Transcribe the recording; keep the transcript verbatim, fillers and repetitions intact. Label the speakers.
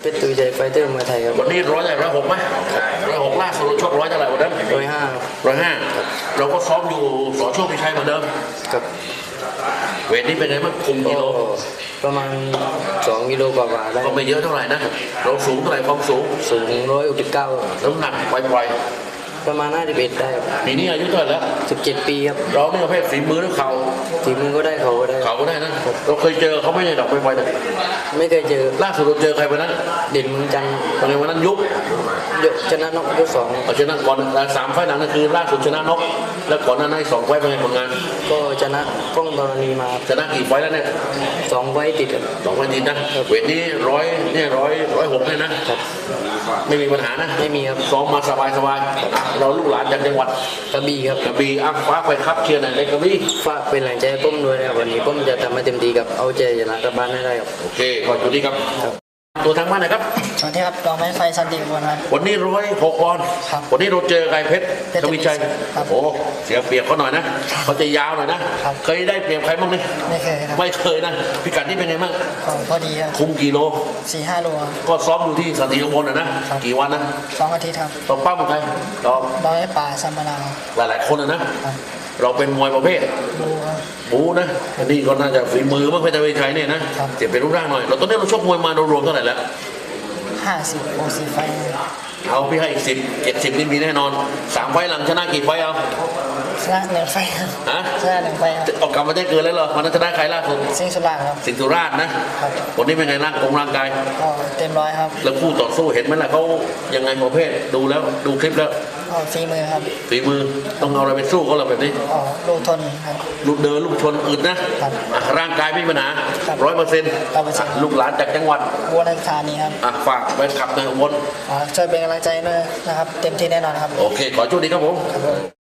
Speaker 1: ชรตุยใจไฟเตอร์มวยไทยครับ
Speaker 2: วันนี้ร้อยใหญ่ร้อยหกไหมร้อยหกล่าสุดชกร้อยเท่าไหร่วันนั้น
Speaker 1: ร้อยห้า
Speaker 2: ร้อยห้าเราก็ซ้อมอยู่สอโชคพิชัยเหมือนเดิม
Speaker 1: ครับ
Speaker 2: เวทนี้เป็นไงบ้างคุมกิโล
Speaker 1: ประมาณสองกิโลกว่าๆได้
Speaker 2: ก็ไม่เยอะเท่าไหร่นะเราสูงเท่าไหร่ความสูง
Speaker 1: สูงร้อยหกสิบเก้า
Speaker 2: น้ำหนักปล่อย
Speaker 1: ๆประมาณห้าสิบเอ็ดได้
Speaker 2: ปีนี้อายุเท่าไหร่แล้ว
Speaker 1: สิบเจ็ดปีครับ
Speaker 2: เราเนี่ยประเภทฝีมือหรือเข่า
Speaker 1: ฝีมือก็ได้เข่าก็ได้
Speaker 2: เข่าก็ได้นะเราเคยเจอเขาไม่ใช่ดอกปล่อยๆนะ
Speaker 1: ไม่เคยเจอ
Speaker 2: ล่าสุดเราเจอใครวันนั้น
Speaker 1: เด่นเมืองจันทร์
Speaker 2: ตอนนี้วันนั้นยุบ
Speaker 1: ชนะนกยกสอง
Speaker 2: ชนะก่อนสามไฟล์หลังนั่นคือล่าสุดชนะนกแล้วก่อนหน้านั้นสองไฟล์เป็นไงผลงาน
Speaker 1: ก็ชนะก้องธรณีมา
Speaker 2: ชนะกี่ไฟล์แล้วเนี่ย
Speaker 1: สองไฟล์ติด
Speaker 2: สองไฟล์ติดนะเวทนี้ร้อยเนี่ยร้อยร้อยหกเนี่ยนะครับไม่มีปัญหานะ
Speaker 1: ไม่มีครับ
Speaker 2: ซ้อมมาสบายสบายเราลูกหลานจากจังหวัด
Speaker 1: กระบี่ครับ
Speaker 2: กระบี่อ่ะฟ้าไปครับเชียร์หน่อยเลยกระบี่
Speaker 1: ฝากเป็นแรงใจให้ผมด้วยนะครับวันนี้ผมจะทำให้เต็มที่กับเอาใจชนะกลับบ้านให้ได้ครับ
Speaker 2: โอเคขอบคุณที่ครับตัวทางบ้านนะครับ
Speaker 1: สวัสดีครับรองแม่ไฟสันติบุญครับ
Speaker 2: วันนี้ร้อยหกปอนด์วันนี้เราเจอใครเพชรทวีชัยโอ้เสียเปรียบเขาหน่อยนะเขาจะยาวหน่อยนะเคยได้เปรียบใครบ้างนี่
Speaker 1: ไม่เคยครับ
Speaker 2: ไม่เคยนะพิกัดนี่เป็นไงบ้าง
Speaker 1: พอดีครับ
Speaker 2: คุมกี่โล
Speaker 1: สี่ห้าโล
Speaker 2: ก็ซ้อมอยู่ที่สันติบลนะกี่วันนะ
Speaker 1: สองอาทิตย์ครับ
Speaker 2: ต้องปั้มใครต่อ
Speaker 1: ร้อยป่าสัมมานา
Speaker 2: หลายๆคนนะเราเป็นมวยประเภท
Speaker 1: บู
Speaker 2: บูนะอันนี้ก็น่าจะฝีมือมากเพชรทวีชัยเนี่ยนะเจ็บเป็นรูปร่างหน่อยเราตอนนี้เราชกมวยมารวมเท่าไหร่แล้ว
Speaker 1: ห้าสิบโอซีไฟ
Speaker 2: เอาพี่ให้อีกสิบเจ็ดสิบนี่มีแน่นอนสามไฟหลังชนะกี่ไฟเอา
Speaker 1: ชนะหนึ่งไฟฮะ
Speaker 2: ชนะ
Speaker 1: หนึ่งไฟ
Speaker 2: ออกกลับมาได้เกินแล้วเหรอวันนั้นชนะใครล่าสุด
Speaker 1: สิงห์สุราษฎร์ครับ
Speaker 2: สิงห์สุราษฎร์นะวันนี้เป็นไงร่างกงร่างกาย
Speaker 1: ก็เต็มร้อยครับ
Speaker 2: แล้วคู่ต่อสู้เห็นไหมล่ะเขายังไงประเภทดูแล้วดูคลิปแล้ว
Speaker 1: ก็ฝีมือครับ
Speaker 2: ฝีมือต้องเอาอะไรไปสู้เขาหรอแบบนี้
Speaker 1: อ๋อลูกทนครับ
Speaker 2: ลูกเดินลูกชนอึดนะร่างกายไม่มีปัญหาร้อยเปอร์เซ็นต์ลูกหลานจากจังหวัด
Speaker 1: อุบลราชธานีครับ
Speaker 2: ฝากไปขับในอุบล
Speaker 1: ช่วยเป็นกำลังใจด้วยนะครับเต็มที่แน่นอนครับ
Speaker 2: โอเคขอโชคดีครับผม